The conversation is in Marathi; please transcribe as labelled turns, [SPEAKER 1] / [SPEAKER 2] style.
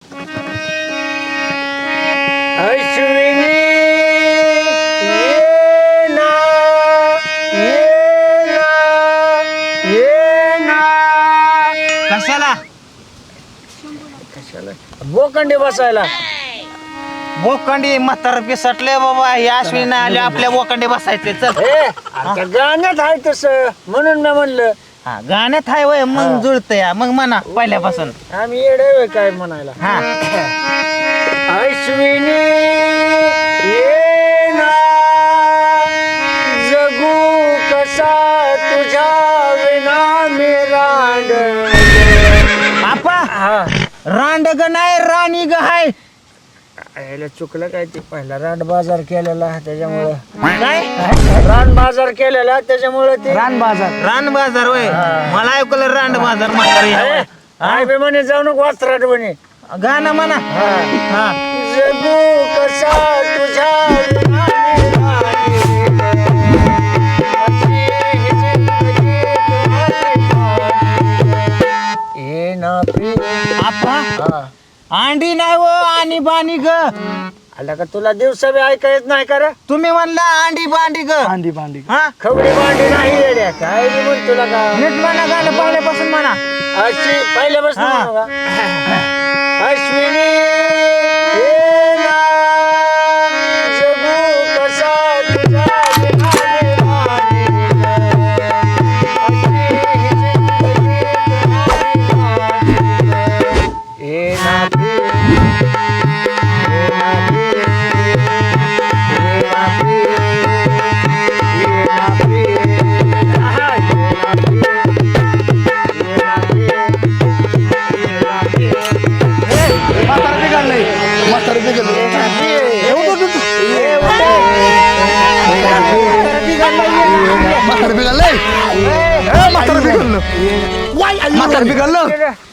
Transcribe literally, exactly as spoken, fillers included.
[SPEAKER 1] अश्विनी ये ना ये ना ये ना
[SPEAKER 2] कशाला
[SPEAKER 1] कशाला बोकंडी बसायला
[SPEAKER 2] बोकंडी म्हातार पिसटले बाबा या अश्विनी आले आपल्या बोकंडी बसायचे चल
[SPEAKER 1] ए आता गाण्यात आहे तसं म्हणून मी म्हणलं
[SPEAKER 2] हा गाण्यात हाय वय मग जुळत या मग म्हणा पहिल्यापासून
[SPEAKER 1] आम्ही येडे होय काय म्हणायला
[SPEAKER 2] हा
[SPEAKER 1] अश्विनी ये ना जगू कसा तुझ्या विना मी रांड
[SPEAKER 2] आपा
[SPEAKER 1] हा
[SPEAKER 2] रांड ग नाही राणी ग हाय
[SPEAKER 1] याला चुकलं काय ते पहिला रान बाजार केलेला त्याच्यामुळं
[SPEAKER 2] काय
[SPEAKER 1] रान बाजार केलेला त्याच्यामुळं ते
[SPEAKER 2] रान बाजार रान बाजार वय मला ऐकलं रान बाजार म्हातारी
[SPEAKER 1] ए, आय बे म्हणे जाऊ नको वाचराट म्हणे
[SPEAKER 2] गाणं म्हणा हा
[SPEAKER 1] जगू कसा तुझ्या विना मी राणी, अशी ही जिंदगी तुम्हारी. ये ना पी
[SPEAKER 2] आपा
[SPEAKER 1] हा
[SPEAKER 2] अंडी नाही व आणि बाणी ग
[SPEAKER 1] आला का तुला दिवसा बी ऐका येत नाही का रे
[SPEAKER 2] तुम्ही म्हणला अंडी बांडी ग
[SPEAKER 1] भांडी भांडी
[SPEAKER 2] हा
[SPEAKER 1] खबरी भांडी नाही येड्या काय बी म्हण तुला का
[SPEAKER 2] नीट म्हणा गाणं पहिल्यापासून म्हणा
[SPEAKER 1] अशी पहिल्यापासून
[SPEAKER 2] हा.
[SPEAKER 1] म्हणू का? अश्विनी ये ना जगू कसा तुझ्या विना मी राणी ग. अशी ही जिंदगी तुम्हारी राणी. ये ना पी ये ना पी ये ना पी ये ना पी आहा, ये ना पी ये ना पी ये ना पी
[SPEAKER 3] म्हातारा बिघडलंय म्हातारा बिघडलं
[SPEAKER 1] ये ना पी
[SPEAKER 3] ये उठ, उठ, उठ.
[SPEAKER 1] ये उठ. ये ना पी
[SPEAKER 3] म्हातारा बिघडलंय ए, म्हातारा बिघडलं म्हातारा बिघडलं